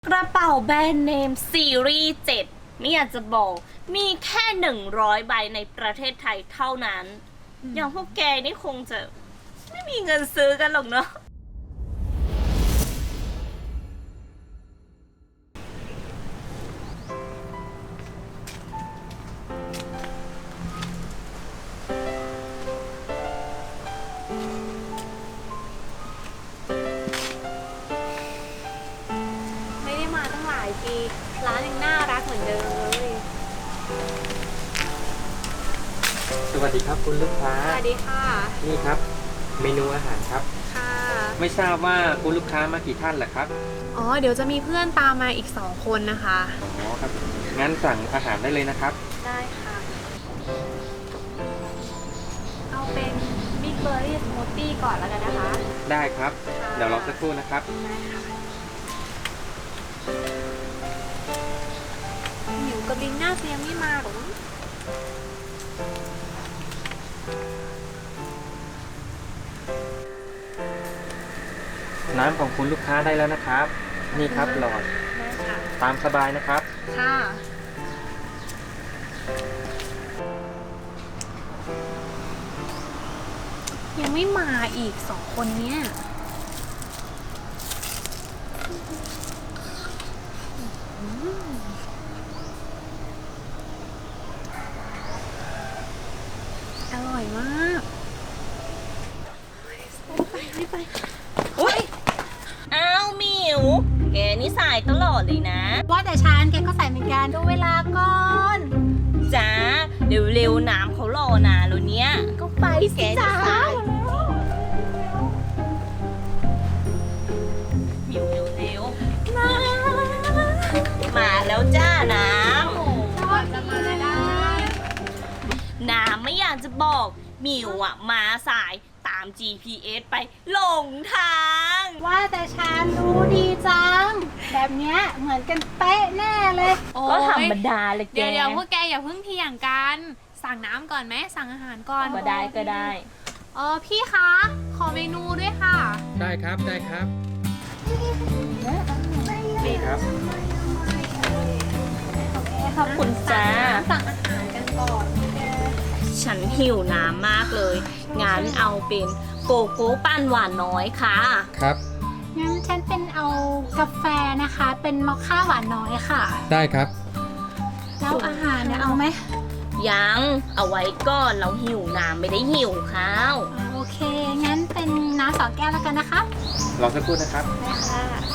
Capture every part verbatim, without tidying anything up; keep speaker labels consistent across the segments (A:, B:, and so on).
A: กระเป๋าแบรนด์เนมซีรีส์เจ็ดไม่อยากจะบอกมีแค่หนึ่งร้อยใบในประเทศไทยเท่านั้นอย่างพวกแกนี่คงจะไม่มีเงินซื้อกันหรอกเนาะ
B: ไม่ได้มาตั้งหลายปีร้านยังน่ารักเหมือนเดิมเลย
C: สวัสดีครับคุณลูกค้า
B: สวัสดีค่ะ
C: นี่ครับ เมนูอาหารครับ
B: ค่ะ
C: ไม่ทราบว่าคุณลูกค้ามากี่ท่านเหรอครับ
B: อ๋อเดี๋ยวจะมีเพื่อนตามมาอีกสองคนนะคะ
C: อ๋อครับ งั้นสั่งอาหารได้เลยนะครับ
B: ได้ค่ะ เอาเป็นบิ๊กเบอร์รี่สมูทตี้ก่อนแล้วกันนะคะ
C: ได้ครับ
B: ค่ะ
C: เดี๋ยวรอสักครู่นะครับ
B: ได้ค่ะหมิวกับลินน่าจะยังไม่มาหรอ
C: น้ำของคุณลูกค้าได้แล้วนะครับ นี่ครับหลอด
B: ได้ค่ะ
C: ตามสบายนะครับ
B: ค่ะ ยังไม่มาอีกสองคนเนี้ยอืมอร่อยมากไปไม่ไป
A: อุ้ยอ้าวหมิวแกนี่สายตลอดเลยนะ
D: ว่าแต่ฉันแกก็ใส่เหมือนกันดูเวลาก่อน
A: จ้าเร็วๆน้ำเขารอนานแล้วเนี้ย
D: ก็ไปสิจ้า
A: หมิวเร็วๆน้ำมาแล้วจ้าน้ำ
D: ก่อนจะมาได้
A: น้ำไม่อยากจะบอกหมิวอะมาสายตาม จี พี เอส ไปหลงทาง
D: ว่าแต่ฉันรู้ดีจัง แบบเนี้ยเหมือนกันเป๊ะแน่เลย
A: ก็ธรรมดาเลยแก
B: เดี๋ยวเดี๋ยวพวกแกอย่าเพิ่งเถียงกัน สั่งน้ำก่อนไหมสั่งอาหารก่อน
A: ก็ได้ก็ได้
B: เออพี่คะ ขอเมนูด้วยค่ะ
C: ได้ครับ ได้ครับ นี่ครับ
A: ขอบคุณจ้า
D: สั่งอาหารกันก่อน
A: ฉันหิวน้ำมากเลย งั้นเอาเป็นโกโก้ปั้นหวานน้อยค่ะ
C: ครับ
D: งั้นฉันเป็นเอากาแฟนะคะ เป็นมอคค่าหวานน้อยค่ะ
C: ได้ครับ
D: แล้วอาหารเนี่ยเอาไหม
A: ยังเอาไว้ก่อนเราหิวน้ำไม่ได้หิวข้าว
D: อ่าโอเค งั้นเป็นน้ำสองแก้วแล้วกันนะคะ
C: รอสักครู่นะครับ
D: ได้ค่ะ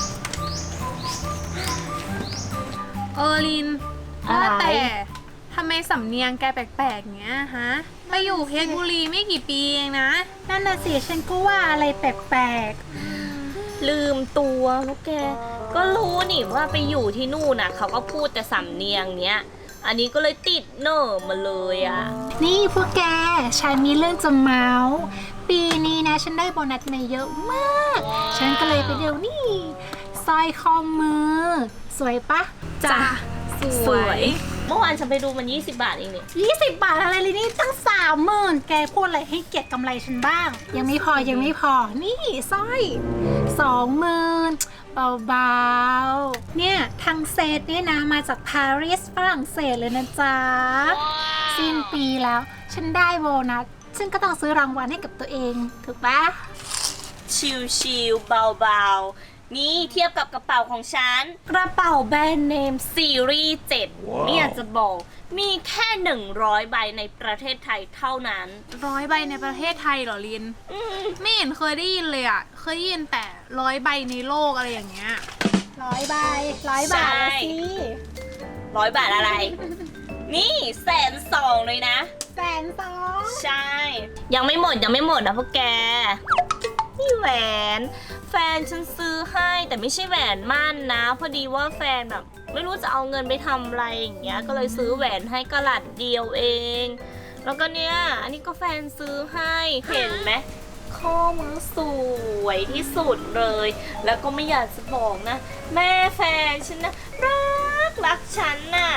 B: เออลิน
A: อะไร
B: ว่าแต่ทำไมสำเนียงแกแปลกๆเงี้ยฮะมาอยู่เพชรบุรีไม่กี่ปีเองนะ
D: นั่นน่ะสิฉันก็ว่าอะไรแปลก
A: ลืมตัวแล้วแก ก็รู้นี่ว่าไปอยู่ที่นู่นน่ะ เขาก็พูดแต่สำเนียงเนี้ย อันนี้ก็เลยติดเนอร์มาเลยอ่ะ
D: ๆ นี่พวกแก ฉันมีเรื่องจะเมาส์ปีนี้นะ ฉันได้โบนัสมาเยอะมาก ฉันก็เลยไปเดียวนี่สร้อยข้อมือ สวยปะ
B: จ้ะ
A: สวย เมื่อวานฉันไปดูมันยี่สิบบาทเองเนี่ย
D: ยี่สิบบาทอะไรเลยนี่ตั้งสามหมื่นแกพูดอะไรให้เกียรติกำไรฉันบ้าง ยังไม่พอยังไม่พอ นี่สร้อยสองหมื่นเบาๆ เนี่ยทางเซตเนี่ยนะมาจากปารีสฝรั่งเศสเลยนะจ๊ะ สิ้นปีแล้ว ฉันได้โบนัสฉันก็ต้องซื้อรางวัลให้กับตัวเอง ถูกปะ
A: ชิลๆเบาๆ นี่เทียบกับกระเป๋าของฉัน กระเป๋าแบรนด์เนมซีรีส์เจ็ดไม่อยากจะบอกมีแค่หนึ่งร้อยใบในประเทศไทยเท่านั้น
B: ร้อยใบในประเทศไทยเหรอลิน ไม่เห็นเคยได้ยินเลยอ่ะ เคยได้ยินแต่ร้อยใบในโลกอะไรอย่างเงี้ย
D: ร้อยใบร้อยบาทละสิ
A: ร้อยบาทอะไร นี่แสนสองเลยนะ
D: แสนสอง
A: ใช่ ยังไม่หมดยังไม่หมดนะพวกแก นี่แหวน แฟนฉันซื้อให้แต่ไม่ใช่แหวนมั่นนะ พอดีว่าแฟนแบบไม่รู้จะเอาเงินไปทำอะไรอย่างเงี้ย ก็เลยซื้อแหวนให้กะลัดเดียวเอง แล้วก็เนี่ย อันนี้ก็แฟนซื้อให้ เห็นไหมข้อมือสวยที่สุดเลย แล้วก็ไม่อยากจะบอกนะ แม่แฟนฉันนะรักรักฉันน่ะ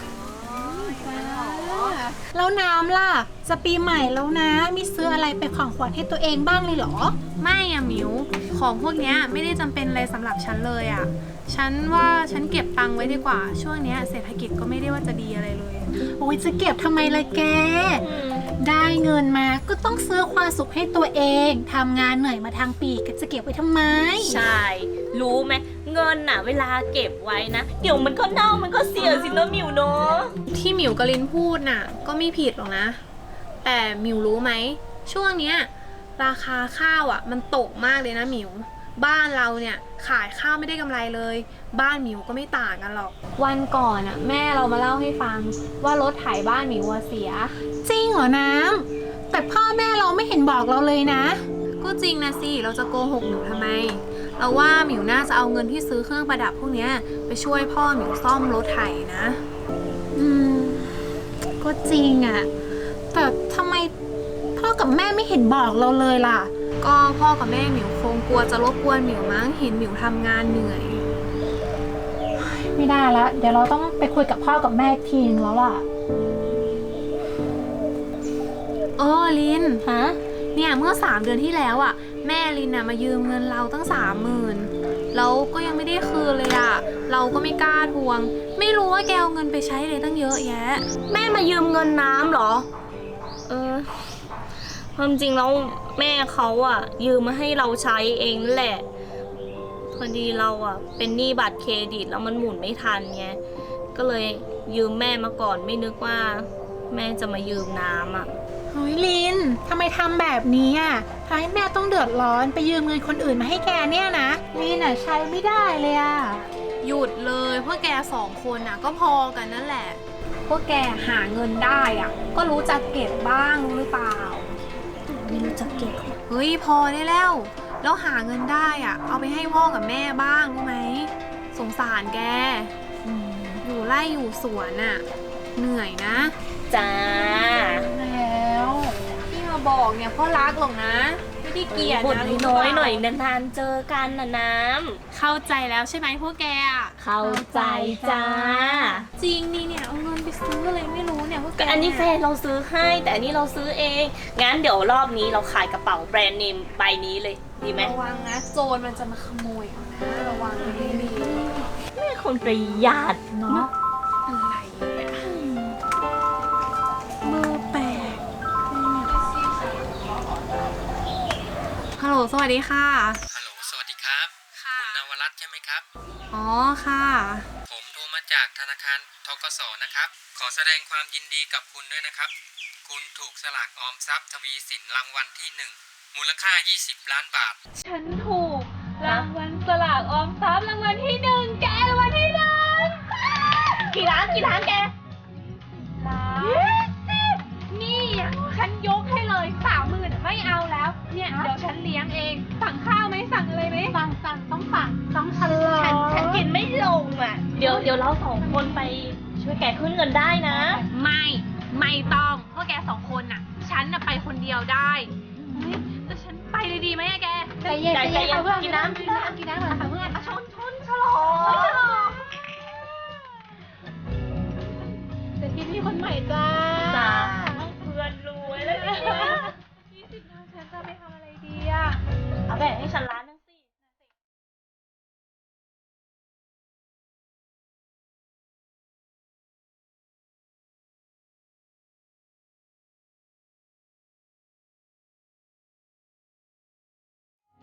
D: แล้วน้ำล่ะ จะปีใหม่แล้วนะ มีซื้ออะไรเป็นของขวัญให้ตัวเองบ้างเลยเหรอ
B: ไม่อะหมิว ของพวกเนี้ยไม่ได้จำเป็นอะไรสำหรับฉันเลยอะฉันว่าฉันเก็บตังค์ไว้ดีกว่า ช่วงเนี้ยเศรษฐกิจก็ไม่ได้ว่าจะดีอะไรเลย
D: โอ้ยจะเก็บทำไมล่ะแก ได้เงินมาก็ต้องซื้อความสุขให้ตัวเองทำงานเหนื่อยมาทางปีก็จะเก็บไว้ทำไม
A: ใช่ รู้ไหมเงินน่ะ เวลาเก็บไว้นะ เดี๋ยวมันก็เน่ามันก็เสียสินะหมิวเนาะ
B: ที่หมิวกับลินพูดน่ะ ก็ไม่ผิดหรอกนะ แต่หมิวรู้ไหมช่วงเนี้ยราคาข้าวอ่ะ มันตกมากเลยนะหมิว บ้านเราเนี่ยขายข้าวไม่ได้กำไรเลย บ้านหมิวก็ไม่ต่างกันหรอก วันก่อนอ่ะ แม่เรามาเล่าให้ฟังว่ารถไถบ้านหมิวเสีย
D: จริงเหรอน้ำแต่พ่อแม่เราไม่เห็นบอกเราเลยนะ
B: ก็จริงนะสิ เราจะโกหกหมิวทำไม เราว่าหมิวน่าจะเอาเงินที่ซื้อเครื่องประดับพวกเนี้ยไปช่วยพ่อหมิวซ่อมรถไถนะ
D: อืม ก็จริงอะแต่ทำไมพ่อกับแม่ไม่เห็นบอกเราเลยล่ะ
B: ก็พ่อกับแม่หมิวคงกลัวจะรบกวนหมิวมั้งเห็นหมิวทำงานเหนื่อย
D: ไม่ได้ละเดี๋ยวเราต้องไปคุยกับพ่อกับแม่อีกทีนึงแล้วอะ
B: เออลิน
D: ฮะ
B: เนี่ยเมื่อสามเดือนที่แล้วอ่ะ แม่ลินน่ะมายืมเงินเราตั้งสามหมื่นแล้วก็ยังไม่ได้คืนเลยอ่ะ เราก็ไม่กล้าทวง ไม่รู้ว่าแกเอาเงินไปใช้เลยตั้งเยอะแยะ
A: แม่มายืมเงินน้ำเหรอ เออความจริงแล้วแม่เขาอะยืมมาให้เราใช้เองนั่นแหละ พอดีเราอะเป็นหนี้บัตรเครดิตแล้วมันหมุนไม่ทันไง ก็เลยยืมแม่มาก่อนไม่นึกว่า แม่จะมายืมน้ำอะ
D: เฮ้ยลินทำไมทำแบบนี้อะทำให้แม่ต้องเดือดร้อนไปยืมเงินคนอื่นมาให้แกเนี่ยนะลินอะใช้ไม่ได้เลยอะ
B: หยุดเลยพวกแกสองคนน่ะก็พอกันนั่นแหละ พวกแกหาเงินได้อ่ะ ก็รู้จักเก็บบ้างรู้หรือเปล่า
A: ไม่รู้จักเก็บ
B: เฮ้ยพอได้แล้ว แล้วหาเงินได้อ่ะ เอาไปให้พ่อกับแม่บ้างรู้ไหม สงสารแก อยู่ไร่อยู่สวนอ่ะ เหนื่อยนะ
A: จ้า
B: แล้ว ที่มาบอกเนี่ยเพราะรักหรอกนะ ไม่ได้เกลียด
A: บ่น
B: นะรู้
A: น้อย
B: เปล่า
A: ๆหน่อยนานๆเจอกันนะน้
B: เข้าใจแล้วใช่ไหมพวกแกอ่ะ
A: ำเข้าใจจ้า
B: จริงนี่เนี่ยเอาเงินไปซื้ออะไรไม่รู้เนี่ยพวกแก
A: ก็อันนี้แฟนเราซื้อให้ แต่อันนี้เราซื้อเอง งั้นเดี๋ยวรอบนี้เราขายกระเป๋าแบรนด์เนมใบนี้เลย ดีไหม
B: ระวังนะโจรมันจะมาขโมยเอานะระวังให้ดี
A: แม่คนประหยัดเนาะ
B: อะไรเนี่ยมือแปลกฮัลโหลสวัสดีค่ะ
C: ฮัลโหลสวัสดีครับ
B: ค่ะ
C: คุณนวรัตน์ใช่ไหมครับ
B: อ๋อค่ะ
C: ผมโทรมาจากธนาคารธกสนะครับ ขอแสดงความยินดีกับคุณด้วยนะครับ คุณถูกสลากออมทรัพย์ทวีสินรางวัลที่หนึ่งมูลค่ายี่สิบล้านบาท
B: ฉันถูกรางวัลสลากออมทรัพย์รางวัลที่หนึ่งแกรางวัลที่หนึ่ง
A: กี่ล้านกี่ล้านแก
B: ล้านนี่อ่ะฉันยกให้เลยสามหมื่นไม่เอาแล้ว เนี่ยเดี๋ยวฉันเลี้ยงเอง สั่งข้าวไหมสั่งอะไรไหม
D: ฟังฟังต้องฟังต้องฉลา
A: ฉัน
D: ด
A: ฉันกินไม่ลงอ่ะ เดี๋ยวเดี๋ยวเราสองคนไปช่วยแกขึ้นเงินได้นะ
B: ไม่ไม่ต้องเพราะแกสองคนน่ะ ฉันน่ะไปคนเดียวได้เฮ้ยแต่ฉันไปเลยดีไหมอะแก
D: ใจเย็น
A: ใจ
D: ใจ
A: เย็
D: เย็
A: น
D: นเอาเพื่อน
A: กินน้ำ
D: กินน้ำกินน้ำก่อน